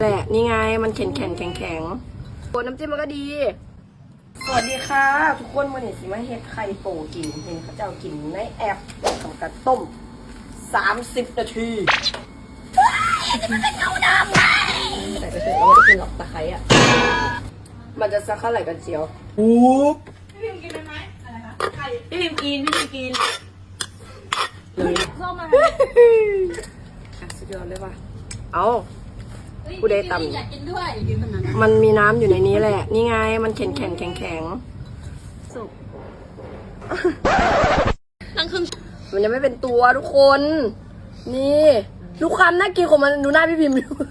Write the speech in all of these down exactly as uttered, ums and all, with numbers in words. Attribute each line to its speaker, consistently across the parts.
Speaker 1: แหละนี่ไงมันแข็งแข็งแข็งแข็งตัวน้ำจิ้มมันก็ดีสวัสดีค่ะทุกคนวันนี้สิมาเฮ็ดไข่โป่กินเห็นเขาเจ้ากินในแอปทำการต้มสามสิบนาทีมันจะเข้าน้ำไงแต่ไปเถอะเราไม่ได้กินหรอกตะไคร้อ่ะมันจะซักเท่าไหร่กันเชียว
Speaker 2: ปุ๊บ
Speaker 3: พี่พิมกินไหมอะไรคะไข่พี่พิมกินพี่พิมกิน
Speaker 1: เลย
Speaker 3: ส้มอะไร
Speaker 1: อ่ะสุดยอดเลยว่ะเอาผู้ใดต่ำ
Speaker 3: อยากกินด้วยอยากกินขนาดนั้น
Speaker 1: มันมีน้ำอยู่ในนี้แหละนี่ไงมันแข็งแข็งแข็งแข็งสุก
Speaker 3: ตั้งครึ่ง
Speaker 1: มันยังไม่เป็นตัวทุกคน นี่ลูกคำน่ากินของมันดูหน้าพี่พิมพ์อยู่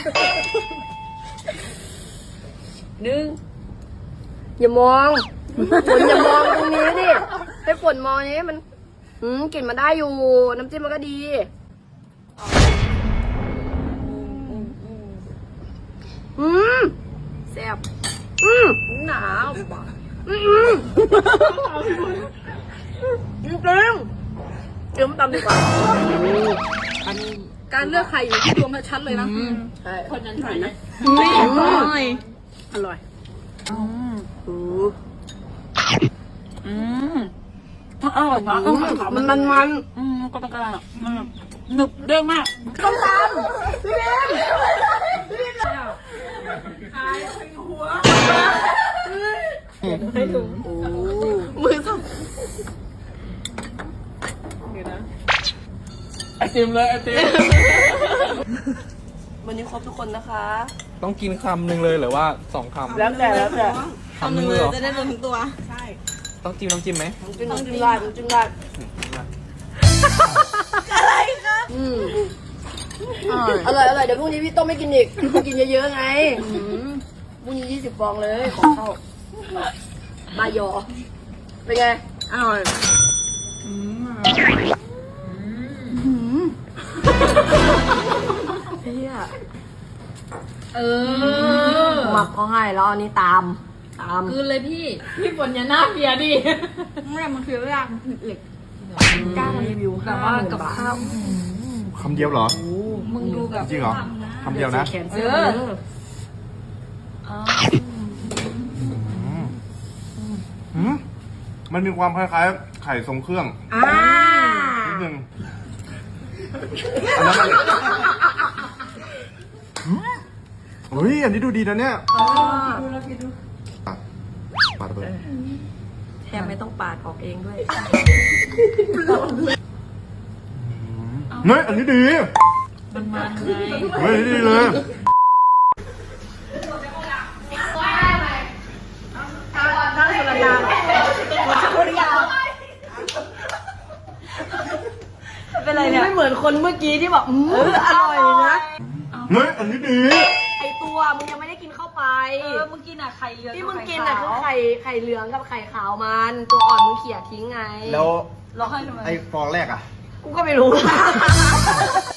Speaker 1: หนึ่งอย่ามองฝนอย่ามองตรงนี้ดิให้ฝนมองนี้มันอืมกลิ่นมันได้อยู่น้ำจิ้มมันก็ดีอืมแซ่บอืมหนาวอืมจริงจริงเดี๋ยวมันตำดีกว่าการเลือกไข่อยู่ที่ดวงชัดเลยนะใช่คนนั้นใส่นะอร่อยอร่อยอืม
Speaker 3: อืมอร่อยมาก
Speaker 1: มันมันมัน
Speaker 3: อืมก็ตะการมันหนึบเด้งมาก
Speaker 1: ต้มตำพี่เบนพี่เบนขายหัวให้ดูมือสั่นเดี๋ยวนะ
Speaker 3: ไอติมเลยไอติม
Speaker 1: วันนี้ครบทุกคนนะคะ
Speaker 2: ต้องกินคำหนึ่งเลยหรือว่าสองคำ
Speaker 1: แล้วแต่แล้วแต่
Speaker 2: คำหนึ่งเลยเหรอ
Speaker 3: จะได้รวมถึงตัวใช่
Speaker 2: ต้องจิ้มน้ำจิ้มไหม
Speaker 1: น้ำจิ้มน้ำจิ้มราดน้ำจิ้มราดอะไรคะอืมอร่อยอร่อยเดี๋ยวพรุ่งนี้พี่ต้มไม่กินอีกพี่กินเยอะๆไงพรุ่งนี้ยี่สิบฟองเลยของเข้าบายอเป็นไงอร่อยเฮียเออหมักเขาให้แล้วอันนี้ตามตาม
Speaker 3: คืนเลยพี่พี่ฝนอย่าหน้าเพียดิไม่มันคือเรื่องเหล็ก
Speaker 1: กล้ารีวิวแต่ว่ากับข้าว
Speaker 2: คำเดียวเหรอ
Speaker 3: มึงดูแบบ
Speaker 2: จริงเหรอคำเดียวนะ
Speaker 1: แขนเสื้อ
Speaker 2: อืมมันมีความคล้ายๆไข่ทรงเครื่อง
Speaker 1: อ่า
Speaker 2: นิดนึงอันนั้นมันเฮ้ยอันนี้ดูดีนะเนี่ย
Speaker 1: ดูแล้วพี่ดู
Speaker 2: ปาดเบอร์
Speaker 1: แทบไม่ต้องปาดออกเองด้วย
Speaker 2: เฮ้ยอันนี้ดี
Speaker 3: มันมันไง
Speaker 2: เฮ้ยอันนี้ดีเลย
Speaker 1: เป็นไรเนี่ยไม่เหมือนคนเมื่อกี้ที่บอกเอออร่อยนะ
Speaker 2: เฮ้ยอันนี้ดี
Speaker 1: ไอตัวมึงยังไม่ได้กินเข้าไป
Speaker 3: เออมึงกินอะไข่เยอะ
Speaker 1: ที่มึงกินอ่ะคือไข่ไข่เหลืองกับไข่ขาวมันตัวอ่อนมึงเขี่ยทิ้งไง
Speaker 2: แล้ว
Speaker 3: ร้องไห้ทำไม
Speaker 2: ไอ้ฟองแรกอ่ะ
Speaker 1: กูก็ไม่รู้